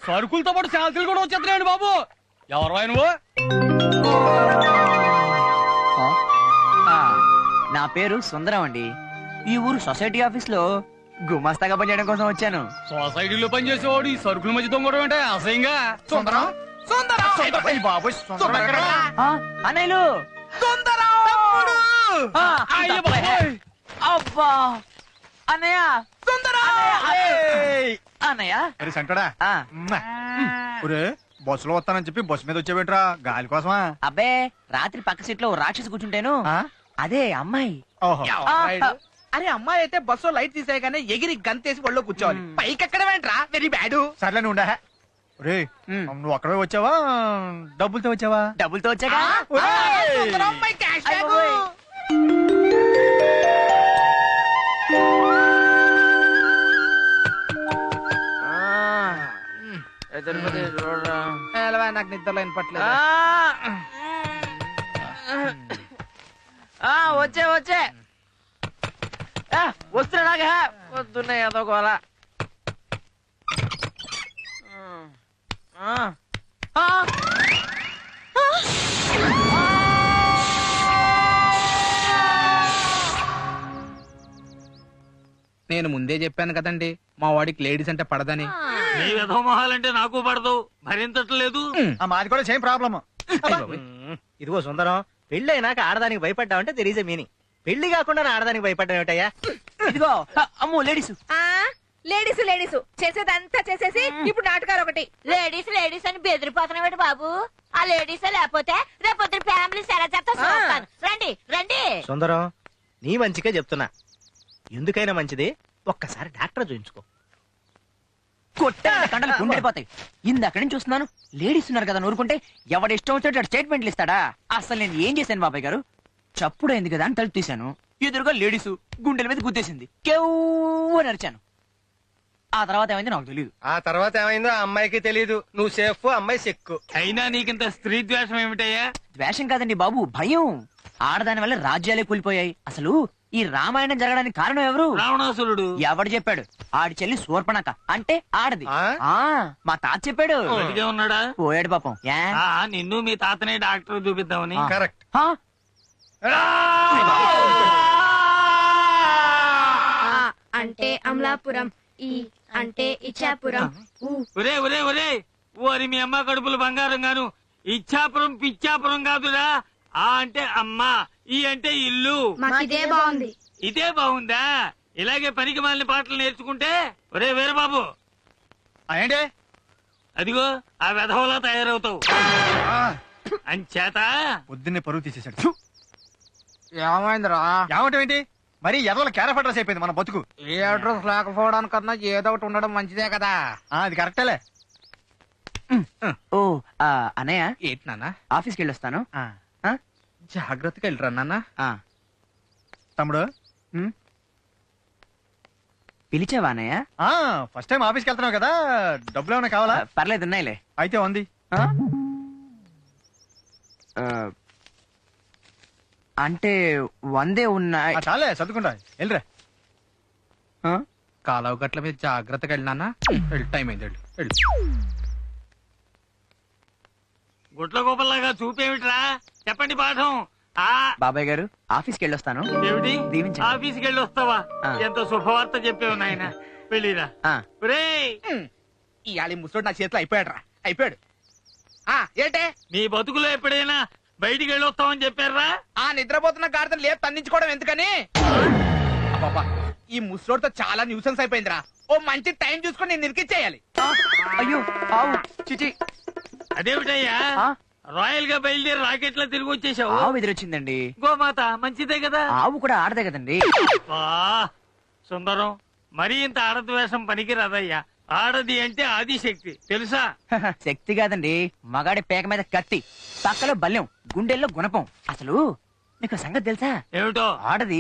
సరుకులతో పాటు శాంతులు కూడా వచ్చేస్తున్నాయండి బాబు. ఎవరు నువ్వు? నా పేరు సుందరం అండి. ఈ ఊరు సొసైటీ ఆఫీస్ లో గుమాస్తాగా పనిచేయడం కోసం వచ్చాను. సొసైటీలో పనిచేసేవాడు ఈ సరుకుల మధ్య దొంగడం అంటే అసహ్యంగా. సుందరం అన్నయ్యలు అబ్బా అన్నయ్య అన్నయ్య సంటడా బస్సులో వస్తానని చెప్పి బస్సు మీద వచ్చేవేంట్రా? గాలి కోసమా? అబ్బే రాత్రి పక్క సీట్ లో రాక్షసి కూర్చుంటేను అదే అమ్మాయి. అరే అమ్మాయి అయితే బస్సు లైట్ తీసేయగానే ఎగిరి గంతేసి ఒళ్ళో కూర్చోవాలి. పైకి ఎక్కడ వెంట్రా? Very bad. సర్లే నువ్వు ఉండా. నువ్వు అక్కడే వచ్చావా డబ్బులతో వచ్చావా? డబ్బులతో వచ్చాగా. నాకు నిద్రలో వినపట్లేదు. వచ్చే వచ్చే వస్తున్నాగా వస్తున్నాయి అదో గోలా. నేను ముందే చెప్పాను కదండి మా వాడికి లేడీస్ అంటే పడదని. నీ విధవ మొహాలంటే నాకు పడదు, భరించట్లేదు. మాది కూడా సేమ్ ప్రాబ్లమ్. ఇదిగో సుందరం, పెళ్లి అయినాక ఆడదానికి భయపడ్డావంటే తెర్ ఈజ్ ఎ మీనింగ్. పెళ్లి కాకుండా ఆడదానికి భయపడ్డా ఏమిటయ్యా? ఇదిగో అమ్మో లేడీస్ లేడీస్ లేడీస్ చేసేదంతా చేసేసి ఇప్పుడు నాటకాలు ఒకటి. లేడీస్ లేడీస్ అని బెదిరిపోతున్నాడు బాబు. ఆ లేడీస్ లేకపోతే రేపొద్దు ఫ్యామిలీస్ ఎలా చేస్తా. రండి రండి. సుందరం, నీ మంచిగా చెప్తున్నా. ఎందుకైనా మంచిది ఒక్కసారి డాక్టర్ చూయించుకో. కొట్టే కండలు గుండెపోతాయి. ఇందక్కడి నుంచి చూస్తున్నాను లేడీస్ ఉన్నారు కదా, నూరుకుంటే ఎవడిష్టం వచ్చేటట్టు స్టేట్మెంట్లు ఇస్తాడా? అసలు నేను ఏం చేశాను బాబాయ్ గారు? చప్పుడైంది కదా అని తలుపు తీశాను. ఎదురుగా లేడీసు గుండెల మీద గుద్దేసింది. కేవ్వు నరిచాను. ఆ తర్వాత ఏమైంది నాకు తెలియదు. ఆ తర్వాత ఏమైందో ఆ అమ్మాయికి తెలియదు. నువ్వు సేఫ్, అమ్మాయి సెక్కు. అయినా నీకింత స్త్రీ ద్వేషం ఏమిటయ్యా? ద్వేషం కాదండి బాబు, భయం. ఆడదాని వల్ల రాజ్యాలే కూలిపోయాయి. అసలు ఈ రామాయణం జరగడానికి కారణం ఎవరు? రావణాసురుడు. ఎవడు చెప్పాడు? ఆడి చెల్లి శూర్పణఖ అంటే ఆడది. మా తాత చెప్పాడు. ఉన్నాడా? పోయాడు పాపం. నిన్ను మీ తాతనే డాక్టర్ చూపిద్దామని. కరెక్ట్. అంటే అమలాపురం, ఈ అంటే ఇచ్చాపురం. ఒరే ఒరే ఒరే ఓరి మీ అమ్మ కడుపులు బంగారం గాను. ఇచ్చాపురం పిచ్చాపురం కాదురా. ఆ అంటే అమ్మ, ఈ అంటే ఇల్లు. ఇదే బాగుంది. ఇదే బాగుందా? ఇలాగే పనికి మాలిన పాటలు నేర్చుకుంటే. ఒరే వీరబాబు, ఏంటే అదిగో ఆ వెధవలా తయారవుతావు. అంచేత పొద్దున్నే పరువు తీసేశాడు. ఏమైందిరా? ఏమంటావు ఏంటి? మరి ఎర్రల క్యారెఫ్ అడ్రస్ అయిపోయింది మన బతుకు. ఏ అడ్రస్ లేకపోవడానికన్నా ఏదో ఒకటి ఉండడం మంచిదే కదా. అది కరెక్టేలే. ఓ అన్నయ్య, ఏంటి నాన్న? ఆఫీస్కి వెళ్ళొస్తాను. జాగ్రత్తగా వెళ్ళరా నాన్న. తమ్ముడు పిలిచావా అన్నయ్య? ఫస్ట్ టైం ఆఫీస్కి వెళ్తున్నావు కదా, డబ్బులు ఏమైనా కావాలా? పర్లేదు, ఉన్నాయిలే. అయితే ఉంది. అంటే 100 ఉన్నాయి. చాలే చదువుకుంటా. వెళ్ళరా. కాలువ గట్ల మీద జాగ్రత్తగా వెళ్ళినా. టైం అయింది. వెళ్ళు. గుట్ల గోపల్లాగా చూపేమిట్రా? చెప్పండి పాఠం. బాబాయ్ గారు, ఆఫీస్కి వెళ్ళొస్తాను. ఏమిటి? దీవించండి. ఆఫీస్కి వెళ్ళి వస్తావా? ఎంత శుభవార్త చెప్పావు నాయన. వెళ్ళిరా. ఇవాళ ముసలోడు నా చేతిలో అయిపోయాడు. ఏంటే నీ బతుకులో ఎప్పుడైనా బయటికి వెళ్ళి వస్తామని చెప్పారా? నిద్రపోతున్న గాడిదలు లేదు తన్నించుకోవడం ఎందుకని? ఈ ముసలోడితో చాలా న్యూసెన్స్ అయిపోయిందిరా. ఓ మంచి టైం చూసుకొని నేను నిరికిచ్చేయాలి. అయ్యో ఆవు చిచి. అదేమిటయ్యా రాయల్ గా బయలుదేరి రాకెట్ లో తిరిగి వచ్చేసావు? ఆవు ఎదురొచ్చిందండి. గోమాత మంచిదే కదా. ఆవు కూడా ఆడదే కదండి. సుందరం, మరీ ఇంత ఆడద్వేషం పనికి రాదయ్యా. ఆడది అంటే ఆదిశక్తి తెలుసా? శక్తి కాదండి, మగాడి పేక మీద కత్తి, పక్కలో బల్యం, గుండెల్లో గుణపం. అసలు నీకు సంగతి తెలుసా? ఏమిటో? ఆడది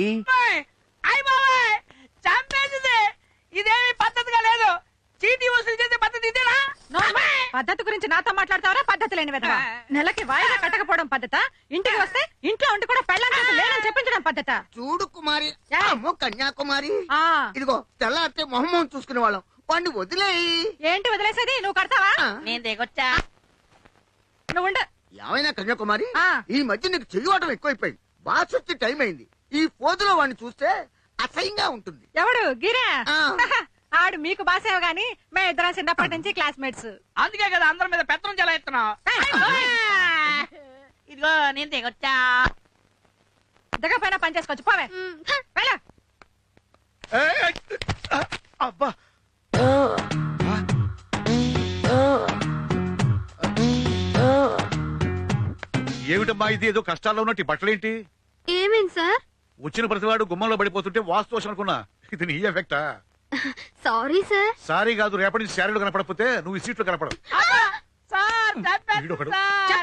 ఇదేమి పద్ధతిగా లేదు. చీటీ వసూలు చేసే పద్ధతి ఇదేనా? పద్ధతి గురించి నాతో మాట్లాడతావరా? పద్ధతి లేని విధవా. నెలకి వాయిదా కట్టకపోవడం పద్ధత? ఇంటికి వస్తే ఇంట్లో ఉండి కూడా పెళ్ళాం చేసి లేనని చెప్పించడం పద్ధత? చూడు కుమారి, కన్యాకుమారి, ఆ ఇదిగో తెల్లారితే మొహమ్మం చూసుకునే వాళ్ళం, వాడిని వదిలేయి. ఏంటి వదిలేసేది? నువ్వు కడతావా? నేను దిగొచ్చా. నువ్వు ఉండు. ఏమైనా కన్యాకుమారి, ఆ. ఈ మధ్య నీకు చెయ్యవటం ఎక్కువైపోయింది. బాస్ వచ్చే టైం అయింది. ఈ పోజులో వాడిని చూస్తే అసహ్యంగా ఉంటుంది. ఎవడు గిరా? ఆ. ఆడు మీకు బాసేవ గాని మేము ఇద్దరం చిన్నప్పటి నుంచి క్లాస్మేట్స్. అందుకే కదా అందరి మీద పెత్తనం చెలాయిస్తున్నావు. ఇదిగో నేను దిగొచ్చా. దిగపోయినా పని చేసుకోవచ్చు. పోవే వెళ్ళ. అబ్బా ఏమిటమ్మా ఇది? ఏదో కష్టాల్లో ఉన్నట్టు ఈ బట్టలేంటి? ఏమేం సార్? వచ్చిన ప్రతివాడు గుమ్మంలో పడిపోతుంటే వాస్తు దోషం అనుకున్నా. ఇది నీ ఎఫెక్టా? Sorry sir. సారీ కాదు, రేపటి నుంచి శారీలు కనపడకపోతే నువ్వు ఈ సీట్లు కనపడవు. వీడొకడు.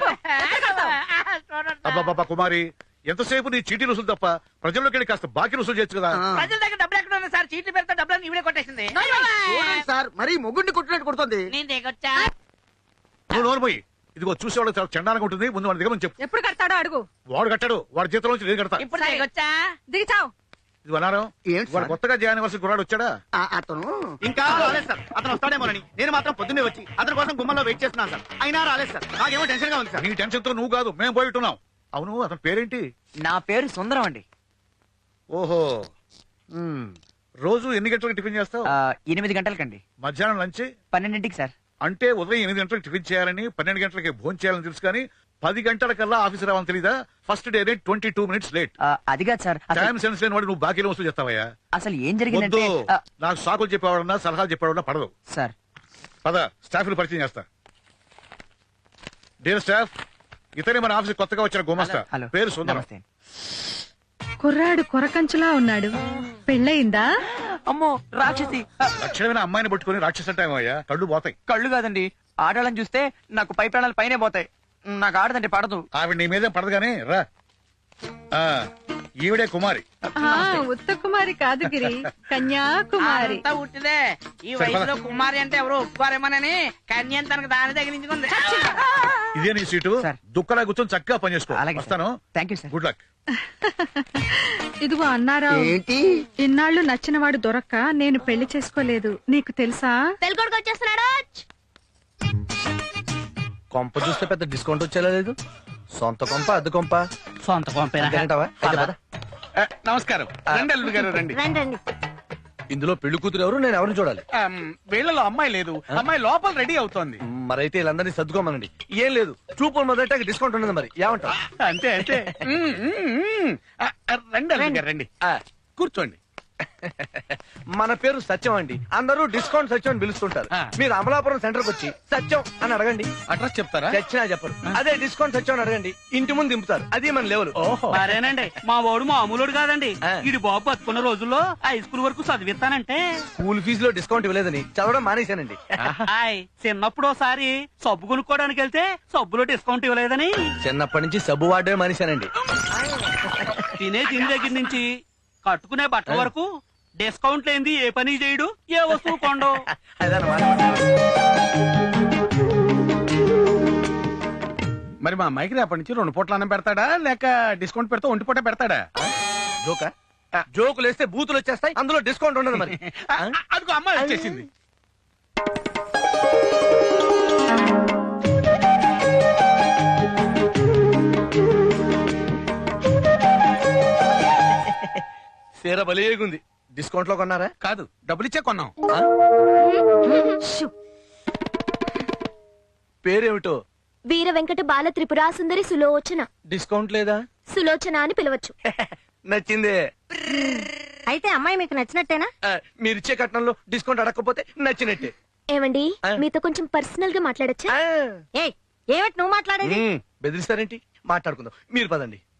అబ్బాబ్బా కుమారి, ఎంతసేపు నీ చీటీ రుసులు తప్ప ప్రజల్లోకి వెళ్ళి కాస్త బాకీ రుసులు చేయొచ్చు కదా. ప్రజల దగ్గర డబ్బులు ఎక్కడ ఉన్నాయి సార్? చీట్లు పెడితే డబ్బులు ఇవిడే కొట్టేసింది. చూడండి సార్, మరీ మొగుడిని కొట్టినట్టు కొడుతుంది. నేను దిగొచ్చా. నువ్వు నోరు పోయి. ఇదిగో చూసేవాళ్ళకి చాలా చండాలంగా ఉంటుంది. ముందు వాడి దగ్గర చెప్పు. ఎప్పుడు కడతాడో అడుగు. వాడు కట్టాడు, వాడి జీతంలోంచి నేను కడతా. ఇప్పుడు దిగొచ్చా. దిగిచావు. ఇది అన్నారం. ఏంటి వాడు సార్? కొత్తగా జాయిన్ అవ్వాల్సిన కుర్రాడు వచ్చాడా? అతను ఇంకా రాలేదు సార్. అతను వస్తాడేమోనని నేను మాత్రం పొద్దున్నే వచ్చి అతని కోసం గుమ్మలో వెయిట్ చేస్తున్నాను సార్. అయినా రాలేదు సార్. నాకేమో టెన్షన్ గా ఉంది సార్. నీ టెన్షన్ తో నువ్వు కాదు, మేము పోయిట్టున్నాం. అవును, అతని పేరేంటి? నా పేరు సుందరం అండి. ఓహో. రోజు ఎన్ని గంటలకు టిఫిన్ చేస్తావు? 8 గంటలకండి. మధ్యాహ్నం లంచ్ 12ంటికి సార్. అంటే ఉదయం 8 గంటలకు టిఫిన్ చేయాలని, 12 గంటలకి భోజనం చేయాలని తెలుసు కానీ 10 గంటలకల్లా ఆఫీస్ రావాలని తెలీదా? First day late 22 minutes late. అది కాదు సార్. టైం సెన్స్ లేని వాడు నువ్వు బాకీలో వస్తూ చేస్తావయ్యా. అసలు ఏం వద్దు. జరిగిందంటే నాకు సాకులు చెప్పేవాడన్నా సలహాలు చెప్పేవాడన్నా పడదు. సార్. పద, స్టాఫ్ పరిచయం చేస్తా. డియర్ స్టాఫ్, ఇతనే మన ఆఫీస్ కొత్తగా వచ్చిన గుమస్తా. హలో. పేరు సుందరం. నమస్తే. కుర్రాడు కొరకంచులా ఉన్నాడు. పెళ్ళయిందా? అమ్మో రాక్షసి. లక్షణమైన అమ్మాయిని పట్టుకుని రాక్షస టైం అయ్యా, కళ్ళు పోతాయి. కళ్ళు కాదండి, ఆడాలని చూస్తే నాకు పై ప్రాణాలు పైనే పోతాయి. నాకు ఆడదంటే పడదు. ఆవిడ నీ మీదే పడదు కానీ రా. ఈవిడే కుమారి. ఉత్త కుమారి కాదు గిరి, కన్యాకుమారి. అంతా ఉట్టిదే. ఈ వయసులో కుమారి అంటే ఎవరు ఒప్పుకోరేమోనని కన్యం తనకు దాని తగిలించుకుంది. ఇదే నీ సీటు. సార్. దుక్కలా కూర్చొని చక్కగా పనిచేసుకో. అలాగే సార్. వస్తాను. Thank you sir. Good luck. ఇదిగో అన్నారా, ఏంటి? ఇన్నాళ్ళు నచ్చినవాడు దొరక్క నేను పెళ్లి చేసుకోలేదు. నీకు తెలుసా? పెళ్ళికొడుకు వచ్చేస్తున్నాడు. కొంప చూస్తే పెద్ద డిస్కౌంట్ వచ్చేలా లేదు. సొంత కొంప, అద్దె కొంప. సొంత అంతేనంటావా? అయితే పద. నమస్కారం. రండి అల్లుడు గారు రండి. రండి రండి. ఇందులో పెళ్లి కూతురు ఎవరు? నేను ఎవరిని చూడాలి? వీళ్ళలో అమ్మాయి లేదు. అమ్మాయి లోపల రెడీ అవుతోంది. మరైతే వీళ్ళందరినీ సర్దుకోమనండి. ఏం లేదు, చూపులు మొదట డిస్కౌంట్ ఉండదు. మరి ఏమంటావు? అంతే అంతే. రండి అల్లుడు గారు రండి. కూర్చోండి. మన పేరు సత్యం అండి. అందరూ డిస్కౌంట్ సత్యం అని పిలుస్తుంటారు. మీరు అమలాపురం సెంటర్ కి వచ్చి సత్యం అని అడగండి. అడ్రస్ చెప్తారా? చచ్చినా చెప్పరు. అదే డిస్కౌంట్ సత్యం అని అడగండి, ఇంటి ముందు దింపుతారు. అది మన లెవెల్. మరేనండి, మా వాడు మామూలుడు కాదండి. ఇడి బాబు బతుకున్న రోజుల్లో హై స్కూల్ వరకు చదివిస్తానంటే స్కూల్ ఫీజులో డిస్కౌంట్ ఇవ్వలేదని చదవడం మానేశానండి. చిన్నప్పుడు ఒకసారి సబ్బు కొనుక్కోవడానికి వెళ్తే సబ్బులో డిస్కౌంట్ ఇవ్వలేదని చిన్నప్పటి నుంచి సబ్బు వాడమే మానేశానండి. తినే తిని దగ్గర నుంచి కట్టుకునే బట్టల వరకు డిస్కౌంట్ లేనిది ఏ పని చేయడు, ఏ వస్తువు కొండు. మరి మా అమ్మాయికి రేపటి నుంచి 2 పూట్ల అన్నం పెడతాడా లేక డిస్కౌంట్ పెడితే 1 పూట పెడతాడా? జోకా? జోకులు వేస్తే బూతులు వచ్చేస్తాయి, అందులో డిస్కౌంట్ ఉండదు. మరి అదిగో అమ్మాయి వచ్చేసింది. సీర బలేగుంది. డిస్కౌంట్ లో కొన్నారా? కాదు, డబ్బులు ఇచ్చే కొన్నాం. పేరేమిటో? వీర వెంకట బాల త్రిపురా సుందరి సులోచన. డిస్కౌంట్ లేదా? సులోచన అని పిలవచ్చు. నచ్చిందే. అయితే అమ్మాయి మీకు నచ్చినట్టేనా? మీరిచ్చే కట్నంలో డిస్కౌంట్ అడగకపోతే నచ్చినట్టే. ఏమండి, మీతో కొంచెం పర్సనల్ గా మాట్లాడచ్చా? ఏమిటి నువ్వు మాట్లాడేది? బెదిరిస్తారేంటి? మాట్లాడుకుందాం, మీరు పదండి.